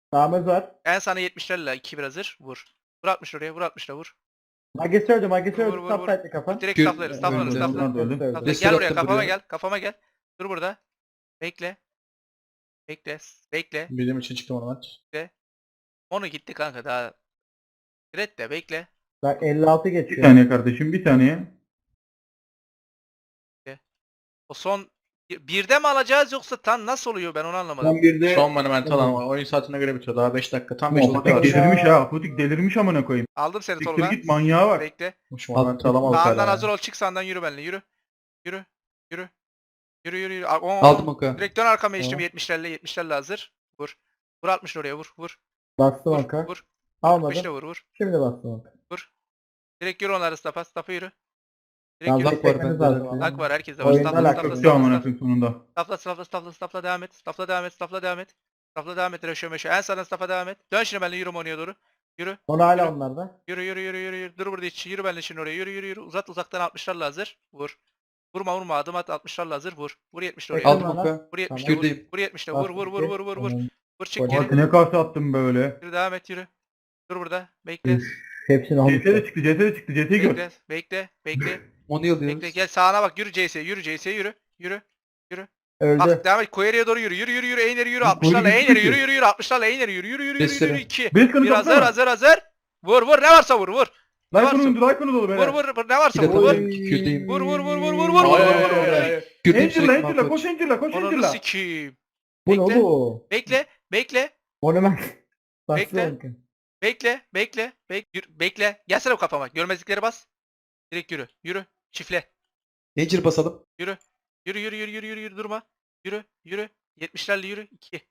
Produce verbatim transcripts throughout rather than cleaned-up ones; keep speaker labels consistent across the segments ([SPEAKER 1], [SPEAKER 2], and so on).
[SPEAKER 1] Sağımız var.
[SPEAKER 2] En sana yetmişlerle iki bir hazır. Vur. Vur altmış oraya. Vur altmış da vur.
[SPEAKER 1] Magesi öldü. Magesi
[SPEAKER 2] Vur,
[SPEAKER 1] öldü.
[SPEAKER 2] vur,
[SPEAKER 1] Stop
[SPEAKER 2] vur.
[SPEAKER 1] sight'li kafa.
[SPEAKER 2] Direkt
[SPEAKER 3] Gür-
[SPEAKER 2] staflarız. Staflarız.
[SPEAKER 3] öldü,
[SPEAKER 2] Staflarız.
[SPEAKER 3] onlar da öldü.
[SPEAKER 1] Öldü.
[SPEAKER 2] Stafla.
[SPEAKER 3] Restore
[SPEAKER 2] Gel buraya
[SPEAKER 3] attım
[SPEAKER 2] kafama
[SPEAKER 3] buraya.
[SPEAKER 2] gel. Kafama gel. Dur burada. Bekle. Bekle. Bekle.
[SPEAKER 3] Bildiğim için çıktım ona maç.
[SPEAKER 2] Onu gitti kanka daha. Red de bekle.
[SPEAKER 1] Bak elli altı
[SPEAKER 4] Bir
[SPEAKER 1] geçiyor.
[SPEAKER 4] saniye kardeşim bir saniye.
[SPEAKER 2] O son birde mi alacağız yoksa tam nasıl oluyor ben onu anlamadım.
[SPEAKER 3] Son birde
[SPEAKER 4] Son
[SPEAKER 3] son
[SPEAKER 4] monumental
[SPEAKER 3] Tamam.
[SPEAKER 4] ama oyun saatine göre bitiyor. Daha beş dakika. Tam beş dakika Apotik var.
[SPEAKER 1] Apotik
[SPEAKER 4] Şu
[SPEAKER 1] ya.
[SPEAKER 4] delirmiş ha. Apotik delirmiş amına koyayım.
[SPEAKER 2] Aldım seni
[SPEAKER 4] Siktir
[SPEAKER 2] Tolga.
[SPEAKER 4] git manyağa bak.
[SPEAKER 2] Bekle.
[SPEAKER 4] Şu monumental alamadık
[SPEAKER 2] Sağından
[SPEAKER 4] hala.
[SPEAKER 2] hazır ol. Çık sağından yürü benimle. Yürü. Yürü. Yürü. Yürü yürü yürü. Aa, oo.
[SPEAKER 3] Aldım oka.
[SPEAKER 2] Direkt dön arkama geçtim.
[SPEAKER 1] Tamam.
[SPEAKER 2] yetmişlerle yetmişlerle hazır. Vur. Vur altmış oraya vur. Vur.
[SPEAKER 1] Bastım
[SPEAKER 2] Vur.
[SPEAKER 1] oka.
[SPEAKER 2] Vur.
[SPEAKER 1] Almadım.
[SPEAKER 2] beşle vur vur.
[SPEAKER 1] Şimdi bastım oka.
[SPEAKER 2] Direkt yürü onları stafa. Stafa yürü. Direkt
[SPEAKER 1] Yalnız
[SPEAKER 2] yürü.
[SPEAKER 3] Lak var
[SPEAKER 1] çekmeniz
[SPEAKER 3] bende.
[SPEAKER 1] lazım ama.
[SPEAKER 2] Lak var herkeste var.
[SPEAKER 1] Oyundan
[SPEAKER 2] Stafla
[SPEAKER 1] lak
[SPEAKER 2] stafla
[SPEAKER 1] yok.
[SPEAKER 4] Şu amına
[SPEAKER 2] stafla.
[SPEAKER 4] koyayım sonunda.
[SPEAKER 2] Stafla stafla stafla stafla devam et. Stafla devam et. Stafla devam et. Stafla devam et. Reşo meşo. En sağdan stafa devam et. Dön şimdi benimle yürü Moni'ye doğru. Yürü.
[SPEAKER 1] Onu hala
[SPEAKER 2] Yürü.
[SPEAKER 1] onlarda.
[SPEAKER 2] Yürü yürü yürü yürü yürü. Dur burada hiç. Yürü benimle şimdi oraya. Yürü yürü yürü. Uzat uzaktan altmışlarla hazır. Vur. Vurma vurma. Adım at altmışlarla hazır. Vur. Vur yetmişle oraya.
[SPEAKER 1] Aldım.
[SPEAKER 3] Aldım
[SPEAKER 1] bana.
[SPEAKER 3] oka.
[SPEAKER 2] Vur yetmişle vur.
[SPEAKER 3] Kürdeyim.
[SPEAKER 2] Vur yetmişle vur vur vur vur vur vur.
[SPEAKER 1] Tamam.
[SPEAKER 2] Vur çık
[SPEAKER 1] Oy.
[SPEAKER 2] geri.
[SPEAKER 4] Fatih ne karşı attım böyle.
[SPEAKER 2] Yürü devam et yürü. Dur burada. Bekle.
[SPEAKER 1] Üf, Hepsini almış.
[SPEAKER 4] C T de çıktı. C T de çıktı. C T'yi gör.
[SPEAKER 2] Bekle. Bekle. Bekle.
[SPEAKER 3] Onu yalıyoruz.
[SPEAKER 2] Bekle. Gel sağına bak. Yürü C S'ye. Yürü C S'ye yürü. Yürü.
[SPEAKER 1] Öldü.
[SPEAKER 2] Bak devam et. Koyeriye doğru yürü. Yürü yürü yürü. Eğneri yürü.
[SPEAKER 4] Koyeri
[SPEAKER 2] altmışlarla
[SPEAKER 4] gitti
[SPEAKER 2] eğneri
[SPEAKER 4] ki.
[SPEAKER 2] yürü yürü yürü. altmışlarla eğneri yürü. Yürü yürü yürü yürü.
[SPEAKER 3] Destere.
[SPEAKER 2] iki.
[SPEAKER 4] Beş kanı
[SPEAKER 2] Bir hazır
[SPEAKER 4] kapsana.
[SPEAKER 2] hazır hazır. Vur vur. Ne varsa vur vur. Ne
[SPEAKER 4] Like'ını
[SPEAKER 2] varsa.
[SPEAKER 4] öndü. Like'ını dolu
[SPEAKER 2] Vur
[SPEAKER 4] beyler.
[SPEAKER 2] vur vur. Ne varsa
[SPEAKER 3] Bir de
[SPEAKER 2] vur vur.
[SPEAKER 3] tabii Kürdeyim.
[SPEAKER 2] Vur vur vur vur vur vur vur
[SPEAKER 4] Ay, ay,
[SPEAKER 2] vur
[SPEAKER 4] ay,
[SPEAKER 2] vur.
[SPEAKER 4] ay, ay.
[SPEAKER 3] Kürdeyim
[SPEAKER 4] Angel'la
[SPEAKER 3] sürekli
[SPEAKER 4] Angel'la
[SPEAKER 3] mahvoç.
[SPEAKER 4] koş Angel'la koş
[SPEAKER 2] Ananı
[SPEAKER 4] Angel'la.
[SPEAKER 2] sikeyim.
[SPEAKER 1] Bu ne
[SPEAKER 2] Bekle.
[SPEAKER 1] oldu?
[SPEAKER 2] Bekle. Bekle.
[SPEAKER 1] Monument. Bastı
[SPEAKER 2] Bekle.
[SPEAKER 1] oka.
[SPEAKER 2] Bekle. Bekle. Bek yürü, bekle. Gelsene bu kafama. Görmezlikleri bas. Direkt yürü. Yürü. Çifle.
[SPEAKER 3] Angel basalım.
[SPEAKER 2] Yürü. Yürü yürü yürü yürü yürü yürü durma. Yürü yürü. yetmişlerle yürü. iki.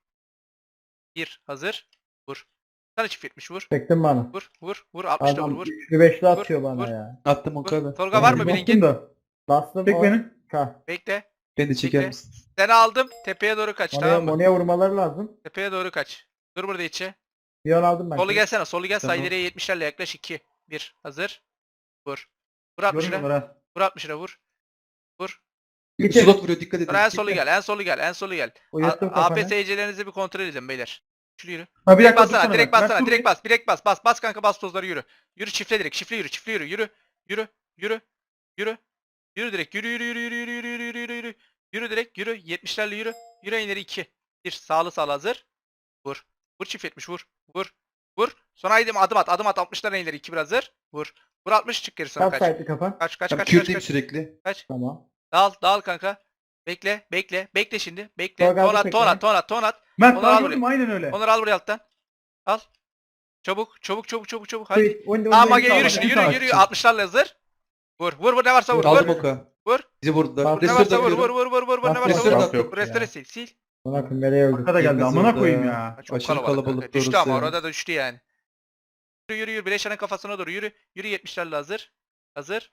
[SPEAKER 2] bir. Hazır. Vur. Sana çift yetmiş vur.
[SPEAKER 1] Çektin bana.
[SPEAKER 2] Vur vur vur. altmış da vur
[SPEAKER 1] Adam
[SPEAKER 2] vur.
[SPEAKER 1] üçlü beşli
[SPEAKER 2] Vur,
[SPEAKER 1] atıyor bana
[SPEAKER 2] vur.
[SPEAKER 1] ya.
[SPEAKER 3] Attım
[SPEAKER 2] Vur.
[SPEAKER 3] oka da.
[SPEAKER 2] Tolga var mı
[SPEAKER 4] Bastım
[SPEAKER 2] bilingin?
[SPEAKER 4] da.
[SPEAKER 1] Bastım.
[SPEAKER 4] Çek
[SPEAKER 1] o-
[SPEAKER 4] beni.
[SPEAKER 1] Ka.
[SPEAKER 2] Bekle.
[SPEAKER 3] Beni çeker
[SPEAKER 2] Bekle.
[SPEAKER 3] misin?
[SPEAKER 2] Seni aldım. Tepeye doğru kaç
[SPEAKER 1] Mono'ya,
[SPEAKER 2] tamam mı?
[SPEAKER 1] Mono'ya vurmaları lazım.
[SPEAKER 2] Tepeye doğru kaç. Dur burada içe.
[SPEAKER 1] Piyon aldım ben.
[SPEAKER 2] Solu gelsene. Solu gel.
[SPEAKER 3] Tamam.
[SPEAKER 2] Sağ ileriye yetmişlerle yaklaş. iki. bir. Hazır. Vur. Vur altmışına.
[SPEAKER 4] Görmüyorlar ha.
[SPEAKER 2] Vur altmışına vur. Vur.
[SPEAKER 1] Git.
[SPEAKER 3] Slot vuruyor dikkat edin.
[SPEAKER 2] Sonra en solu gel. En solu gel. En solu gel.
[SPEAKER 1] Uyuttum
[SPEAKER 2] A P
[SPEAKER 1] kafanı.
[SPEAKER 2] S C'lerinizi bir kontrol edin beyler. Şunu yürü.
[SPEAKER 4] Ha bir
[SPEAKER 2] Direkt
[SPEAKER 4] dakika
[SPEAKER 2] bassana.
[SPEAKER 4] dursana
[SPEAKER 2] Direkt
[SPEAKER 4] bak.
[SPEAKER 2] bassana.
[SPEAKER 4] Bak,
[SPEAKER 2] Direkt bas. Direkt bas. Bas. Bas kanka bas tozları yürü. Yürü çiftle direkt. Çiftle yürü. Çiftle yürü. Yürü. Yürü. Yürü. Yürü. Yürü direkt. Yürü yürü yürü yürü yürü yürü yürü yürü yürü. Yürü direkt. Yürü. yetmişlerle yürü. Yürü ileri iki. bir. Sağlı sağlı hazır. Vur. Vur çift yetmiş vur. Vur. Vur. Sonra haydi adım at. Adım at. altmışlar ileri iki bir hazır. Vur. Vur altmış çık geri sonra
[SPEAKER 1] Stop
[SPEAKER 2] kaç.
[SPEAKER 1] sight'li kafa.
[SPEAKER 2] Kaç kaç
[SPEAKER 3] Tamam,
[SPEAKER 2] kaç kaç
[SPEAKER 3] Kürdeyim
[SPEAKER 2] kaç.
[SPEAKER 3] sürekli.
[SPEAKER 2] Kaç.
[SPEAKER 1] Tamam.
[SPEAKER 2] Dağıl dağıl kanka. Bekle bekle. Bekle şimdi. Bekle.
[SPEAKER 1] Tolga aldı
[SPEAKER 2] Ton at
[SPEAKER 1] tekrar.
[SPEAKER 2] ton at ton at ton at.
[SPEAKER 4] Mert
[SPEAKER 2] Onu
[SPEAKER 4] daha
[SPEAKER 2] al
[SPEAKER 4] gördüm aynen öyle.
[SPEAKER 2] Onları al buraya alttan. Al. Çabuk çabuk çabuk çabuk çabuk. Hadi.
[SPEAKER 1] Hadi. Oyun,
[SPEAKER 2] Tamam
[SPEAKER 1] oyun,
[SPEAKER 2] Mage
[SPEAKER 1] oyun,
[SPEAKER 2] yürü
[SPEAKER 1] oyun.
[SPEAKER 2] şimdi
[SPEAKER 4] Bir
[SPEAKER 2] yürü
[SPEAKER 4] saat
[SPEAKER 2] yürü.
[SPEAKER 3] için.
[SPEAKER 2] altmışlarla hazır. Vur. Vur vur ne varsa vur.
[SPEAKER 3] Aldım
[SPEAKER 2] Vur.
[SPEAKER 3] oka.
[SPEAKER 2] Vur.
[SPEAKER 3] Bizi vurdular.
[SPEAKER 1] Bak,
[SPEAKER 2] Ne
[SPEAKER 3] Restore
[SPEAKER 2] varsa vur
[SPEAKER 3] da
[SPEAKER 2] vur vur vur vur vur ne
[SPEAKER 1] Bak,
[SPEAKER 2] varsa
[SPEAKER 3] Restore
[SPEAKER 2] vur.
[SPEAKER 3] da
[SPEAKER 4] Yok, yok.
[SPEAKER 3] attım.
[SPEAKER 2] Bu restore sil sil.
[SPEAKER 1] Buna koyayım nereye öldü?
[SPEAKER 4] Arkada geldi
[SPEAKER 3] Yemez
[SPEAKER 4] amına
[SPEAKER 3] orada.
[SPEAKER 4] koyayım ya.
[SPEAKER 2] Çok
[SPEAKER 3] Aşırı
[SPEAKER 2] kalabalık.
[SPEAKER 3] kalabalık
[SPEAKER 2] kanka. Düştü
[SPEAKER 3] doğrusu
[SPEAKER 2] ama
[SPEAKER 3] yani.
[SPEAKER 2] orada da düştü yani. Yürü yürü yürü. Bileşanın kafasına doğru yürü. Yürü yetmişlerle hazır. Hazır.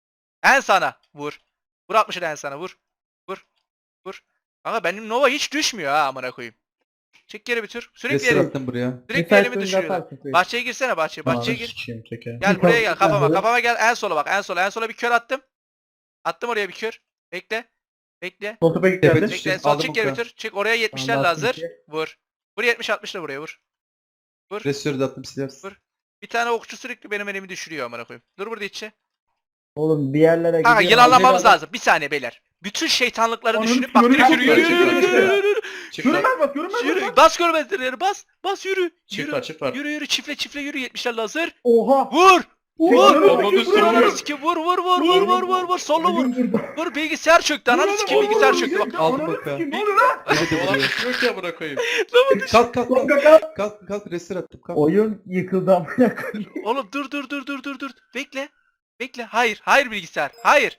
[SPEAKER 2] En sana vur. Vur altmışı en sana vur. Vur. Vur. Ama benim Nova hiç düşmüyor ha amına koyayım. Çek geri bir tür. Sürekli
[SPEAKER 3] Restore
[SPEAKER 2] elimi,
[SPEAKER 3] attım buraya.
[SPEAKER 2] sürekli elimi
[SPEAKER 1] oyunda
[SPEAKER 2] düşürüyorlar.
[SPEAKER 1] atarsın koyayım.
[SPEAKER 2] Bahçeye girsene bahçeye. Bahçeye gir.
[SPEAKER 4] Sikeyim teke.
[SPEAKER 2] Gel
[SPEAKER 1] Bir
[SPEAKER 2] buraya
[SPEAKER 1] kal-
[SPEAKER 2] gel
[SPEAKER 1] bir
[SPEAKER 2] kafama.
[SPEAKER 1] tane
[SPEAKER 2] Kafama gel en sola bak en sola. En sola bir kör attım. Attım oraya bir kör. Bekle. Bekle.
[SPEAKER 4] Sol topa
[SPEAKER 3] Tepe
[SPEAKER 4] geldi.
[SPEAKER 3] düştü.
[SPEAKER 2] Bekle. Sol
[SPEAKER 3] Aldım
[SPEAKER 2] çık geri bir
[SPEAKER 3] oka.
[SPEAKER 2] tür. Çık oraya yetmişlerle
[SPEAKER 1] Tamam, bastım
[SPEAKER 2] hazır.
[SPEAKER 1] ki.
[SPEAKER 2] Vur. Vur yetmiş altmışla buraya vur.
[SPEAKER 3] Restore da attım silersin.
[SPEAKER 2] Vur. Bir tane okçu sürekli benim elimi düşürüyor amına koyayım. Dur burada içe.
[SPEAKER 1] Oğlum bir yerlere
[SPEAKER 2] Kanka
[SPEAKER 1] gidiyor.
[SPEAKER 2] yılanlamamız
[SPEAKER 1] Adam-
[SPEAKER 2] lazım. Bir saniye beyler. Bütün şeytanlıkları
[SPEAKER 4] Ananı
[SPEAKER 2] düşünüp bak
[SPEAKER 4] görünmez
[SPEAKER 2] yürü yürü yürü
[SPEAKER 4] çık
[SPEAKER 2] yürü
[SPEAKER 4] var,
[SPEAKER 2] yürü
[SPEAKER 4] çık
[SPEAKER 2] yürü
[SPEAKER 4] var.
[SPEAKER 2] yürü yürü.
[SPEAKER 4] Görünmez bak görünmez
[SPEAKER 2] Yürü.
[SPEAKER 4] bak.
[SPEAKER 2] Bas görmezleri bas. Bas yürü.
[SPEAKER 4] Çift
[SPEAKER 2] Yürü.
[SPEAKER 4] var çift var.
[SPEAKER 2] Yürü yürü çifle çifle yürü yetmişlerle hazır.
[SPEAKER 1] Oha.
[SPEAKER 2] Vur. Vur.
[SPEAKER 4] Ananı
[SPEAKER 2] Vur
[SPEAKER 4] sikeyim,
[SPEAKER 2] ananı
[SPEAKER 4] vur.
[SPEAKER 2] sikeyim. Vur vur vur vur vur vur vur. Solo vur.
[SPEAKER 1] Oyun burada.
[SPEAKER 2] Vur bilgisayar çöktü. Ananı sikeyim bilgisayar çöktü bak.
[SPEAKER 3] Aldım
[SPEAKER 4] Ananı
[SPEAKER 3] oka.
[SPEAKER 4] sikeyim, ne oluyor lan?
[SPEAKER 3] Beni de vuruyor.
[SPEAKER 4] Yok ya bırak koyayım.
[SPEAKER 3] Kalk kalk
[SPEAKER 1] Kalk,
[SPEAKER 3] kalk.
[SPEAKER 1] kalk, kalk.
[SPEAKER 3] Kalk kalk restore attım. Kalk.
[SPEAKER 1] Oyun yıkıldı amına koyayım.
[SPEAKER 2] Oğlum dur dur dur dur dur dur. Bekle. Bekle. Hayır. Hayır bilgisayar. Hayır.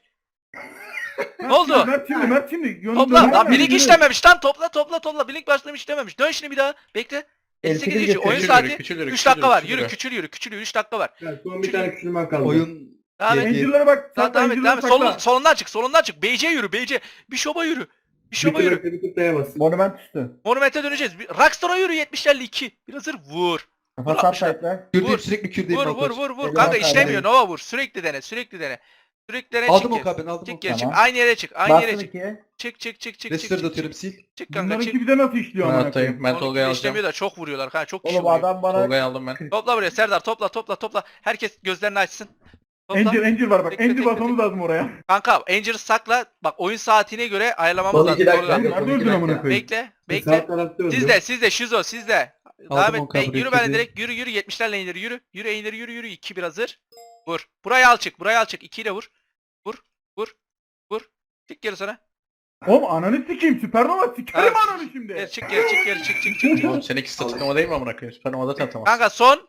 [SPEAKER 2] Ne oldu?
[SPEAKER 4] Mert şimdi Mert şimdi. Yönünü
[SPEAKER 2] Topla.
[SPEAKER 4] döner
[SPEAKER 2] Lan
[SPEAKER 4] mi?
[SPEAKER 2] bilik işlememiş. Lan topla topla topla. Bilik başlamış işlememiş. Dön şimdi bir daha. Bekle. elli sekiz
[SPEAKER 1] Elli sekiz
[SPEAKER 2] geçiyor. Oyun
[SPEAKER 1] geçiyor.
[SPEAKER 2] saati
[SPEAKER 4] Küçülür,
[SPEAKER 2] üç
[SPEAKER 4] küçülür,
[SPEAKER 2] dakika var.
[SPEAKER 4] küçülür.
[SPEAKER 2] Yürü küçül yürü. Küçül yürü. üç dakika var.
[SPEAKER 1] Son bir tane küçülmen kaldı.
[SPEAKER 3] Oyun
[SPEAKER 2] Devam et.
[SPEAKER 3] Ye-
[SPEAKER 4] Angel'lara bak.
[SPEAKER 2] Tamam,
[SPEAKER 4] Sakla
[SPEAKER 2] devam et. Devam
[SPEAKER 4] Angel'lara
[SPEAKER 2] et. Solun,
[SPEAKER 4] sakla.
[SPEAKER 2] solundan çık. Solundan çık. Beyce yürü. Beyce. Bir şoba yürü. Bir şoba yürü.
[SPEAKER 5] Bir kutlaya bas.
[SPEAKER 1] Monument üstü.
[SPEAKER 2] Monument'e döneceğiz. Bir- Rockstar'a yürü. yetmişlerle iki. Bir hazır. Vur.
[SPEAKER 1] Kafa
[SPEAKER 2] Vur
[SPEAKER 1] sub
[SPEAKER 2] altmışlar.
[SPEAKER 1] sight'le.
[SPEAKER 3] Kürdeyim
[SPEAKER 2] Vur,
[SPEAKER 3] sürekli kürdeyim.
[SPEAKER 2] Vur vur
[SPEAKER 3] Malkoç.
[SPEAKER 2] vur vur.
[SPEAKER 1] Elime
[SPEAKER 2] Kanka
[SPEAKER 1] sağlık.
[SPEAKER 2] işlemiyor. Nova vur. Sürekli dene. Sürekli dene. Sürekli
[SPEAKER 3] Aldım
[SPEAKER 2] çık
[SPEAKER 3] o
[SPEAKER 2] geri.
[SPEAKER 3] kabin aldım o
[SPEAKER 2] Çık geri çık.
[SPEAKER 1] Tamam.
[SPEAKER 2] Aynı yere çık. Aynı yere
[SPEAKER 1] Bastım
[SPEAKER 2] çık.
[SPEAKER 1] ikiye.
[SPEAKER 2] Çık çık çık çık çık
[SPEAKER 3] Restore de
[SPEAKER 2] çık.
[SPEAKER 3] atıyorum
[SPEAKER 2] Çık,
[SPEAKER 3] sil.
[SPEAKER 2] çık kanka
[SPEAKER 4] Bunların
[SPEAKER 2] çık.
[SPEAKER 4] iki bize nasıl işliyor
[SPEAKER 5] Ben
[SPEAKER 4] amına
[SPEAKER 5] atayım.
[SPEAKER 4] koyayım?
[SPEAKER 5] Ben
[SPEAKER 2] Onun
[SPEAKER 5] Tolga'yı
[SPEAKER 2] gibi
[SPEAKER 5] alacağım.
[SPEAKER 2] işlemiyor da çok vuruyorlar kanka. Çok kişi
[SPEAKER 1] Oğlum
[SPEAKER 2] vuruyor.
[SPEAKER 1] adam bana
[SPEAKER 5] Tolga'yı aldım ben.
[SPEAKER 2] Topla buraya Serdar topla topla topla. Herkes gözlerini açsın. Topla.
[SPEAKER 4] Angel Angel var bak.
[SPEAKER 2] Tekle,
[SPEAKER 4] Angel
[SPEAKER 2] tekle,
[SPEAKER 4] basmamız lazım oraya.
[SPEAKER 2] Kanka Angel'ı sakla. Bak oyun saatine göre ayarlamamız lazım. Tolga.
[SPEAKER 4] Oğlum nerede öldün amına koyayım?
[SPEAKER 2] Bekle. Bekle.
[SPEAKER 1] Sağ tarafta öldüm.
[SPEAKER 2] Sizde sizde Şizo sizde. Devam
[SPEAKER 3] Aldım
[SPEAKER 2] et.
[SPEAKER 3] o kabri,
[SPEAKER 2] Bey, yürü benimle
[SPEAKER 3] kedi.
[SPEAKER 2] direkt yürü yürü yetmişlerle indir yürü. Yürü indir yürü yürü. iki bir hazır. Vur. Burayı al çık. Burayı al çık. iki ile vur. Vur. Vur. Vur. Çık geri sana.
[SPEAKER 4] Oğlum ananı sikeyim. Süpernova sikerim
[SPEAKER 2] Ha.
[SPEAKER 4] ananı şimdi.
[SPEAKER 2] Geri çık geri çık geri çık çık çık. çık.
[SPEAKER 5] Oğlum seninki statıklama değil mi amına koyayım? Süpernova'da tanıtamaz.
[SPEAKER 2] Kanka son.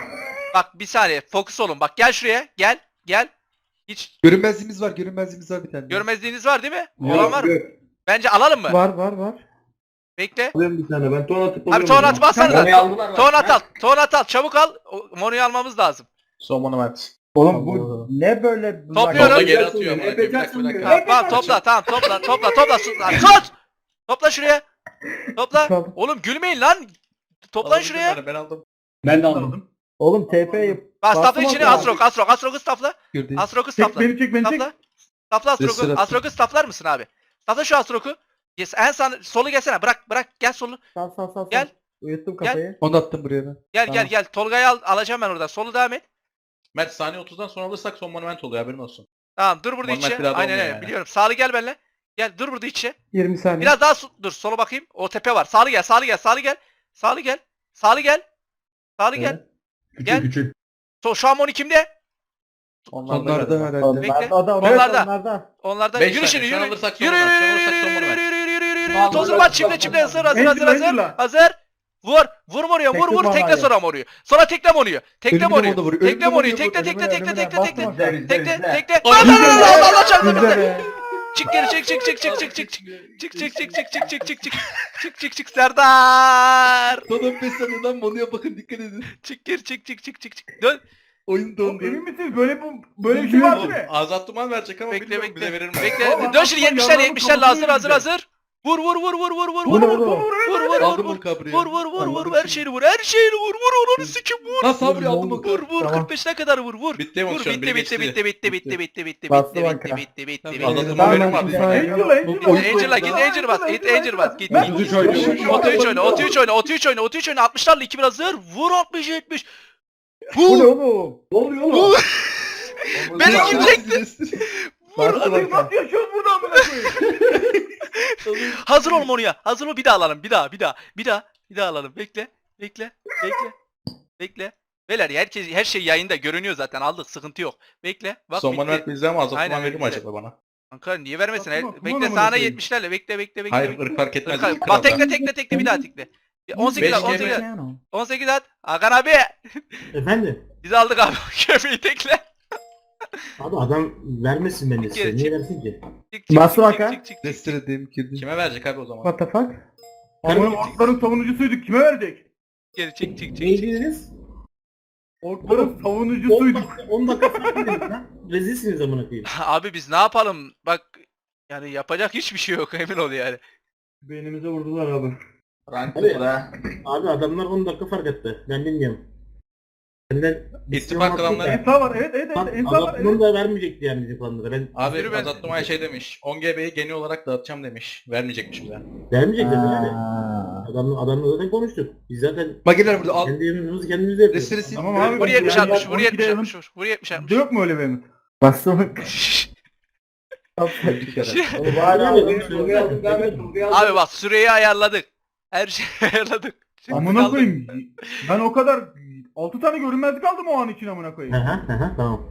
[SPEAKER 2] Bak bir saniye. Fokus olun. Bak gel şuraya. Gel. Gel. Hiç
[SPEAKER 3] Görünmezliğimiz var görünmezliğimiz var bir tane.
[SPEAKER 2] görmezliğiniz var değil mi?
[SPEAKER 1] Yok,
[SPEAKER 2] Olan var mı?
[SPEAKER 1] yok.
[SPEAKER 2] Bence alalım mı?
[SPEAKER 1] Var var var.
[SPEAKER 2] Bekle.
[SPEAKER 1] Alıyorum bir tane. Ben ton atıp
[SPEAKER 2] Abi
[SPEAKER 1] alıyorum
[SPEAKER 2] ton
[SPEAKER 1] o zaman.
[SPEAKER 2] at bassanıza.
[SPEAKER 1] Mono'yu aldılar bak.
[SPEAKER 2] Ton at al. Ton at al. Çabuk al. O- Mono'yu almamız lazım.
[SPEAKER 5] Son monument.
[SPEAKER 1] Oğlum bu ne böyle?
[SPEAKER 2] Topluyorum.
[SPEAKER 5] Tolga
[SPEAKER 2] Bak-
[SPEAKER 5] geri atıyor amına koyayım. Bir dakika bir dakika.
[SPEAKER 2] Tamam, tamam topla tamam topla topla topla sus lan sus. Topla şuraya. Topla.
[SPEAKER 1] Tamam.
[SPEAKER 2] Oğlum gülmeyin lan. Toplan
[SPEAKER 5] Aldım
[SPEAKER 2] şuraya.
[SPEAKER 5] ben, Ben aldım.
[SPEAKER 1] Ben de
[SPEAKER 4] Aldım.
[SPEAKER 1] Oğlum T P'yi
[SPEAKER 2] Bak stafla
[SPEAKER 1] bastım
[SPEAKER 2] içine
[SPEAKER 1] hatta.
[SPEAKER 2] Asrok Asrok Asrok'u stafla.
[SPEAKER 3] Gördüm.
[SPEAKER 2] Asrok'u
[SPEAKER 4] Çek
[SPEAKER 2] stafla.
[SPEAKER 4] beni çek beni çek.
[SPEAKER 2] Stafla. Stafla Asrok'u.
[SPEAKER 3] Restore attım.
[SPEAKER 2] Asrok'u staflar mısın abi? Stafla şu Asrok'u. Yes, en sağ solu gelsene. Bırak bırak gel solu.
[SPEAKER 1] Sal sal sal.
[SPEAKER 2] Gel.
[SPEAKER 1] Uyuttum
[SPEAKER 2] Gel.
[SPEAKER 1] kafayı.
[SPEAKER 3] Onu attım buraya ben.
[SPEAKER 2] Gel
[SPEAKER 1] Tamam.
[SPEAKER 2] gel gel. Tolga'yı al alacağım ben oradan. Solu devam et.
[SPEAKER 5] Mert saniye otuzdan sonra alırsak son monument oluyor haberin olsun.
[SPEAKER 2] Tamam dur burada
[SPEAKER 5] Monument
[SPEAKER 2] içe.
[SPEAKER 5] bir daha da
[SPEAKER 2] Aynen
[SPEAKER 5] olmuyor
[SPEAKER 2] öyle
[SPEAKER 5] yani.
[SPEAKER 2] biliyorum. Sağlı gel benimle. Gel dur burada içe.
[SPEAKER 1] yirmi saniye.
[SPEAKER 2] Biraz daha su- dur sola bakayım. O tepe var. Sağlı gel, sağlı gel, sağlı gel. Sağlı gel. Sağlı gel. Sağlı gel.
[SPEAKER 1] Evet.
[SPEAKER 2] Gel.
[SPEAKER 1] küçük.
[SPEAKER 2] So, şu an Moni kimde?
[SPEAKER 5] Onlar
[SPEAKER 3] Onlar da herhalde.
[SPEAKER 1] Onlar
[SPEAKER 2] Bekle.
[SPEAKER 1] da onlar
[SPEAKER 2] Onlar da.
[SPEAKER 1] da. Onlarda.
[SPEAKER 2] Onlardan
[SPEAKER 5] Beş
[SPEAKER 2] yürü
[SPEAKER 5] saniye,
[SPEAKER 2] şimdi
[SPEAKER 5] şu an
[SPEAKER 2] yürü.
[SPEAKER 5] alırsak son
[SPEAKER 2] Yürü
[SPEAKER 5] monument,
[SPEAKER 2] yürü
[SPEAKER 5] şu an
[SPEAKER 2] yürü
[SPEAKER 5] alırsak son
[SPEAKER 2] yürü
[SPEAKER 5] monument.
[SPEAKER 2] yürü yürü yürü yürü yürü.
[SPEAKER 1] Vallahi
[SPEAKER 2] Tozunu
[SPEAKER 1] ben-
[SPEAKER 2] bak çimle çimle hazır hazır
[SPEAKER 4] Angel,
[SPEAKER 2] hazır hazır.
[SPEAKER 4] Angel'la.
[SPEAKER 2] Hazır. Vur. Vur Moni'ye vur
[SPEAKER 1] Tekle
[SPEAKER 2] vur tekle
[SPEAKER 1] Moni'ye.
[SPEAKER 2] sonra Moni'yi. Sonra tekle Moni'yi. Tekle
[SPEAKER 3] Ölümüne
[SPEAKER 2] Moni'yi.
[SPEAKER 3] Moni vuruyor,
[SPEAKER 2] Tekle
[SPEAKER 3] ölümüne
[SPEAKER 2] Moni'yi.
[SPEAKER 3] Moni
[SPEAKER 2] Tekle
[SPEAKER 3] vuruyor,
[SPEAKER 2] tekle tekle tekle tekle tekle.
[SPEAKER 1] Tekle.
[SPEAKER 2] Tekle tekle.
[SPEAKER 5] Ay,
[SPEAKER 2] Allah Allah Allah Allah çarptı
[SPEAKER 1] Bizde
[SPEAKER 2] bize.
[SPEAKER 1] be.
[SPEAKER 2] Çık geri çık çık çık çık çık çık çık çık çık çık çık çık çık çık çık çık çık çık çık Serdar.
[SPEAKER 3] Son on beş saniyeden Mono'ya bakın dikkat edin.
[SPEAKER 2] Çık geri çık çık çık çık çık. Dön.
[SPEAKER 3] Oyun
[SPEAKER 4] Oğlum,
[SPEAKER 3] dondu.
[SPEAKER 4] emin misiniz? Böyle bu böyle bir şey var
[SPEAKER 5] Oğlum,
[SPEAKER 4] değil mi?
[SPEAKER 5] Azat Duman verecek ama
[SPEAKER 2] Bekle
[SPEAKER 5] bilmiyorum
[SPEAKER 2] bekle.
[SPEAKER 5] bize verir mi?
[SPEAKER 2] Bekle.
[SPEAKER 4] Oğlum,
[SPEAKER 2] Dön şimdi
[SPEAKER 4] adam
[SPEAKER 2] yetmişler
[SPEAKER 4] yalanın
[SPEAKER 2] yetmişlerle
[SPEAKER 4] kafasını
[SPEAKER 2] hazır hazır
[SPEAKER 4] yiyecek.
[SPEAKER 2] hazır. Vur vur vur vur vur vur
[SPEAKER 1] Bu
[SPEAKER 2] vur
[SPEAKER 1] ne
[SPEAKER 2] vur
[SPEAKER 1] oğlum?
[SPEAKER 2] vur vur vur
[SPEAKER 3] Aldım
[SPEAKER 2] vur
[SPEAKER 3] o kabriyi.
[SPEAKER 2] vur vur vur vur
[SPEAKER 3] Aldım
[SPEAKER 2] her
[SPEAKER 3] şimdi.
[SPEAKER 2] şeyini vur her şeyini vur vur onu sikim vur.
[SPEAKER 3] Ha sabri aldım o
[SPEAKER 2] Vur
[SPEAKER 3] kabri.
[SPEAKER 2] vur
[SPEAKER 1] Tamam.
[SPEAKER 2] kırk beşine kadar vur vur.
[SPEAKER 5] Bitti
[SPEAKER 2] Vur
[SPEAKER 5] emosyon.
[SPEAKER 2] bitti bitti bitti bitti bitti bitti bitti
[SPEAKER 1] Bastı
[SPEAKER 2] bitti
[SPEAKER 1] banka.
[SPEAKER 2] bitti bitti bitti
[SPEAKER 5] Tamam,
[SPEAKER 2] bitti.
[SPEAKER 5] Azat'ın
[SPEAKER 1] Tamam,
[SPEAKER 5] haberi
[SPEAKER 1] ben
[SPEAKER 5] var.
[SPEAKER 1] şimdi
[SPEAKER 5] Yani.
[SPEAKER 1] sana-
[SPEAKER 4] Angel Angel.
[SPEAKER 3] Oyun-
[SPEAKER 2] Angel'a git Angel bas git Angel bas git.
[SPEAKER 4] Ben-
[SPEAKER 2] git.
[SPEAKER 3] oynuyor.
[SPEAKER 2] Oto üç oyna Oto üç oyna Oto üç oyna Oto üç oyna altmışlarla iki bir hazır. Vur altmış yetmiş.
[SPEAKER 1] Bu ne
[SPEAKER 2] Vur.
[SPEAKER 1] oğlum? Ne oluyor oğlum?
[SPEAKER 2] Vur. Beni kim çekti? Vur.
[SPEAKER 1] Bastı
[SPEAKER 4] Hadi
[SPEAKER 1] banka.
[SPEAKER 4] nasıl yaşıyoruz burada amına koyayım?
[SPEAKER 2] Hazır ol Monu'ya. Hazır ol bir daha alalım. Bir daha bir daha. Bir daha. Bir daha alalım. Bekle. Bekle. Bekle. Bekle. Beyler herkes her şey yayında görünüyor zaten. Aldık sıkıntı yok. Bekle. Bak
[SPEAKER 5] Son
[SPEAKER 2] bitti.
[SPEAKER 5] monument bizde ama Azat
[SPEAKER 2] Aynen,
[SPEAKER 5] Duman verir mi
[SPEAKER 2] bizde.
[SPEAKER 5] acaba bana?
[SPEAKER 2] Kanka niye vermesin?
[SPEAKER 4] Bakma,
[SPEAKER 2] Her-
[SPEAKER 4] bakma
[SPEAKER 2] bekle
[SPEAKER 4] amına
[SPEAKER 2] sağına
[SPEAKER 4] koyayım.
[SPEAKER 2] yetmişlerle. Bekle bekle bekle.
[SPEAKER 5] Hayır
[SPEAKER 2] bekle.
[SPEAKER 5] ırk fark etmez.
[SPEAKER 2] Kral-
[SPEAKER 5] Kral
[SPEAKER 2] Bak tekle
[SPEAKER 5] adam.
[SPEAKER 2] tekle tekle bir daha tekle. on sekiz
[SPEAKER 5] Beş
[SPEAKER 2] at on sekiz
[SPEAKER 5] kere-
[SPEAKER 2] at. on sekiz at. Hakan abi.
[SPEAKER 6] Efendim?
[SPEAKER 2] Biz aldık abi. Köpeği tekle.
[SPEAKER 6] Abi adam vermesin beni
[SPEAKER 2] Çık
[SPEAKER 6] size.
[SPEAKER 2] geri,
[SPEAKER 6] Niye
[SPEAKER 2] çık.
[SPEAKER 6] versin ki?
[SPEAKER 2] Çık çık
[SPEAKER 1] Bastı
[SPEAKER 2] çık
[SPEAKER 1] bak ha.
[SPEAKER 2] çık çık çık.
[SPEAKER 3] Restore edeyim girdim.
[SPEAKER 5] Kime verecek abi o zaman?
[SPEAKER 1] What the fuck?
[SPEAKER 4] Amına orkların savunucusuyduk. Kime verecek?
[SPEAKER 2] Geri çık çık çık.
[SPEAKER 6] Ne dediniz?
[SPEAKER 4] Orkların
[SPEAKER 6] on
[SPEAKER 4] savunucusuyduk.
[SPEAKER 6] dakika, on dakika fark edin lan. Rezilsiniz amına koyayım.
[SPEAKER 2] Abi biz ne yapalım? Bak yani yapacak hiçbir şey yok emin ol yani.
[SPEAKER 1] Beynimize vurdular abi.
[SPEAKER 6] Abi, abi adamlar on dakika fark etti. Ben bilmiyorum. Benden
[SPEAKER 5] İttifak klanları.
[SPEAKER 4] Ensa var evet evet evet. Ensa var
[SPEAKER 6] Adamın
[SPEAKER 4] evet.
[SPEAKER 6] da vermeyecekti yani bizim planlara. Ben
[SPEAKER 5] Abi
[SPEAKER 2] Yürü ben-
[SPEAKER 5] Azat Duman şey demiş. on G B'yi genel olarak dağıtacağım demiş. Vermeyecekmiş bize.
[SPEAKER 6] vermeyecektim yani.
[SPEAKER 1] Aa.
[SPEAKER 6] Adamla, adamla zaten konuştuk. Biz zaten
[SPEAKER 3] Mageler burada al.
[SPEAKER 6] kendi yemeğimizi kendimiz yapıyoruz.
[SPEAKER 3] Restore sil.
[SPEAKER 4] Tamam abi.
[SPEAKER 2] Vur yetmiş
[SPEAKER 4] Yani
[SPEAKER 2] altmış vur
[SPEAKER 4] on
[SPEAKER 2] yetmiş
[SPEAKER 4] ikide
[SPEAKER 2] altmış vur. Vur yetmiş altmış.
[SPEAKER 4] Yok mu öyle bir emir?
[SPEAKER 1] Bastı banka.
[SPEAKER 3] Bir kere.
[SPEAKER 1] Oğlum hala
[SPEAKER 6] Abi,
[SPEAKER 1] aldım.
[SPEAKER 6] abi,
[SPEAKER 1] Tolga'yı aldım. Devam et. Tolga'yı aldım.
[SPEAKER 2] Abi bak süreyi ayarladık. Her şeyi ayarladık. Şimdi
[SPEAKER 4] Amına
[SPEAKER 2] kaldı.
[SPEAKER 4] koyayım. Ben o kadar altı tane görünmezlik aldım o an için amına
[SPEAKER 6] Hı
[SPEAKER 4] koyayım.
[SPEAKER 6] hı hı hı, tamam.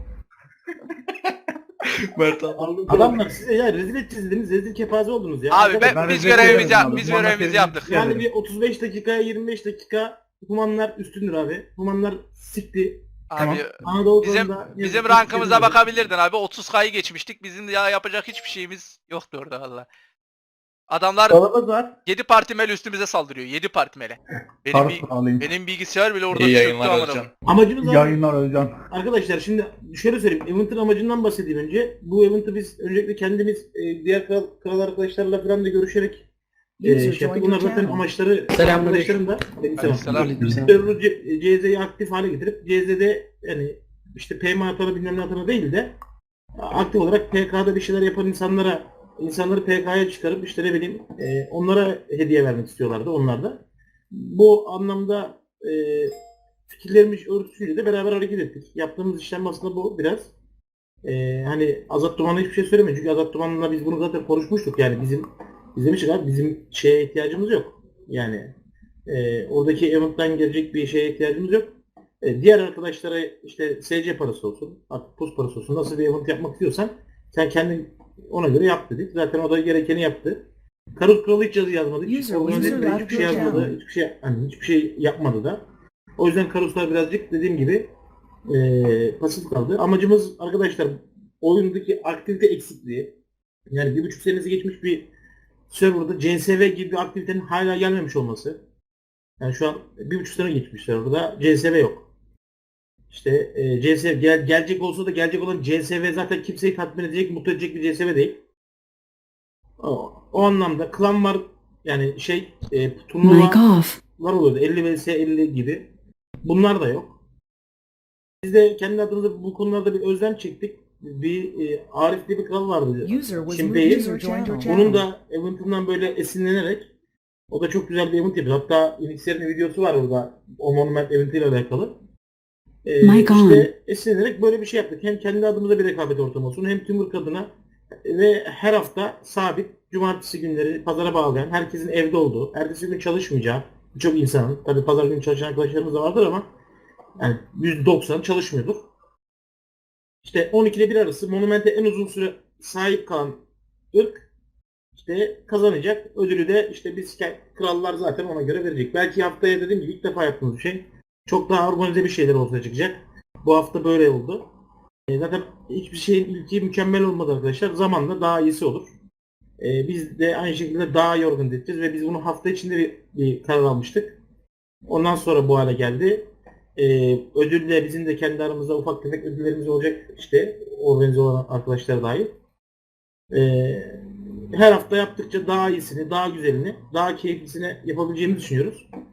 [SPEAKER 5] Mert abi.
[SPEAKER 6] Adamlar size ya rezil edeceğiz dediniz. Rezil kepaze oldunuz ya.
[SPEAKER 2] Abi
[SPEAKER 6] Arkadaşlar,
[SPEAKER 2] ben,
[SPEAKER 4] ben
[SPEAKER 2] biz
[SPEAKER 4] rezil
[SPEAKER 2] görevimizi
[SPEAKER 4] ederim
[SPEAKER 2] yap,
[SPEAKER 4] abi.
[SPEAKER 2] biz
[SPEAKER 4] Bana
[SPEAKER 2] görevimizi
[SPEAKER 4] senin-
[SPEAKER 2] yaptık.
[SPEAKER 6] Yani bir otuz beş dakikaya yirmi beş dakika humanlar üstündür abi. Humanlar sikti.
[SPEAKER 2] Abi
[SPEAKER 6] Anadolu
[SPEAKER 2] bizim
[SPEAKER 6] konuda-
[SPEAKER 2] bizim rankımıza bakabilirdin abi. otuz K'yı geçmiştik. Bizim ya yapacak hiçbir şeyimiz yoktu orada valla. Adamlar
[SPEAKER 1] Dolabız var.
[SPEAKER 2] yedi partimeli üstümüze saldırıyor. yedi partimeli. Benim bi-
[SPEAKER 1] alayım.
[SPEAKER 2] benim bilgisayar bile orada
[SPEAKER 5] İyi
[SPEAKER 2] çöktü
[SPEAKER 5] yayınlar
[SPEAKER 2] amına
[SPEAKER 5] Özcan.
[SPEAKER 2] koyayım.
[SPEAKER 6] Amacımız abi,
[SPEAKER 4] Yayınlar Özcan.
[SPEAKER 6] arkadaşlar şimdi şöyle söyleyeyim. Event'ın amacından bahsedeyim önce. Bu event'ı biz öncelikle kendimiz e, diğer kral, kral arkadaşlarla falan da görüşerek e, şey yaptık. Bunlar zaten amaçları arkadaşlarım da benim selam.
[SPEAKER 2] Selam.
[SPEAKER 6] Server'ı C- CZ'yi aktif hale getirip C Z'de yani işte P M atana bilmem ne atana değil de aktif olarak P K'da bir şeyler yapan insanlara, insanları P K'ya çıkarıp işte ne bileyim e, onlara hediye vermek istiyorlardı onlar da. Bu anlamda e, fikirlerimiz örtüsüyle de beraber hareket ettik. Yaptığımız işlem aslında bu biraz. E, hani Azat Duman'a hiçbir şey söylemeyin. Çünkü Azat Duman'la biz bunu zaten konuşmuştuk. Yani bizim biz demiştik abi bizim şeye ihtiyacımız yok. Yani e, oradaki event'tan gelecek bir şeye ihtiyacımız yok. E, diğer arkadaşlara işte S C parası olsun, artık pus parası olsun, nasıl bir event yapmak istiyorsan sen kendin ona göre yap dedik. Zaten o da gerekeni yaptı. Karus Kralı hiç yazı yazmadı. Hiç,
[SPEAKER 7] User
[SPEAKER 6] organize
[SPEAKER 7] user
[SPEAKER 6] etmedi,
[SPEAKER 7] left
[SPEAKER 6] hiçbir şey
[SPEAKER 7] your
[SPEAKER 6] yazmadı.
[SPEAKER 7] channel.
[SPEAKER 6] Hiçbir şey, hani hiçbir şey yapmadı da. O yüzden Karuslar birazcık dediğim gibi e, pasif kaldı. Amacımız arkadaşlar oyundaki aktivite eksikliği. Yani bir buçuk senesi geçmiş bir serverda C S V gibi bir aktivitenin hala gelmemiş olması. Yani şu an bir buçuk sene geçmiş serverda C S V yok. İşte e, C S V gel, gelecek olsa da gelecek olan C S V zaten kimseyi tatmin edecek, mutlu edecek bir C S V değil. O, o anlamda klan var yani şey e,
[SPEAKER 7] Mic
[SPEAKER 6] turnuvalar
[SPEAKER 7] off.
[SPEAKER 6] oluyordu elli vs elli gibi. Bunlar da yok. Biz de kendi adımıza bu konularda bir özlem çektik. Bir e, Arif diye bir kral vardı.
[SPEAKER 7] User was
[SPEAKER 6] Şimdi
[SPEAKER 7] moved.
[SPEAKER 6] değil.
[SPEAKER 7] User joined your
[SPEAKER 6] Onun
[SPEAKER 7] channel.
[SPEAKER 6] da event'inden böyle esinlenerek o da çok güzel bir event yapıyor. Hatta Unix'lerin videosu var orada. O Monument eventiyle alakalı. Ee,
[SPEAKER 7] My God.
[SPEAKER 6] işte esinlenerek böyle bir şey yaptık. Hem kendi adımıza bir rekabet ortamı olsun hem tüm adına ve her hafta sabit cumartesi günleri pazara bağlayan herkesin evde olduğu, ertesi gün çalışmayacağı birçok insanın, tabii pazar günü çalışan arkadaşlarımız da vardır ama yani yüzde doksan çalışmıyordur. İşte on iki ile bir arası Monument'e en uzun süre sahip kalan ırk işte kazanacak. Ödülü de işte biz krallar zaten ona göre verecek. Belki haftaya dediğim gibi ilk defa yaptığımız bir şey. Çok daha organize bir şeyler ortaya çıkacak. Bu hafta böyle oldu. E, zaten hiçbir şeyin ilki mükemmel olmadı arkadaşlar. Zamanla daha iyisi olur. E, biz de aynı şekilde daha iyi organize edeceğiz ve biz bunu hafta içinde bir, bir karar almıştık. Ondan sonra bu hale geldi. E, ödül de bizim de kendi aramızda ufak tefek ödüllerimiz olacak işte organize olan arkadaşlar dahil. E, her hafta yaptıkça daha iyisini, daha güzelini, daha keyiflisini yapabileceğimizi düşünüyoruz.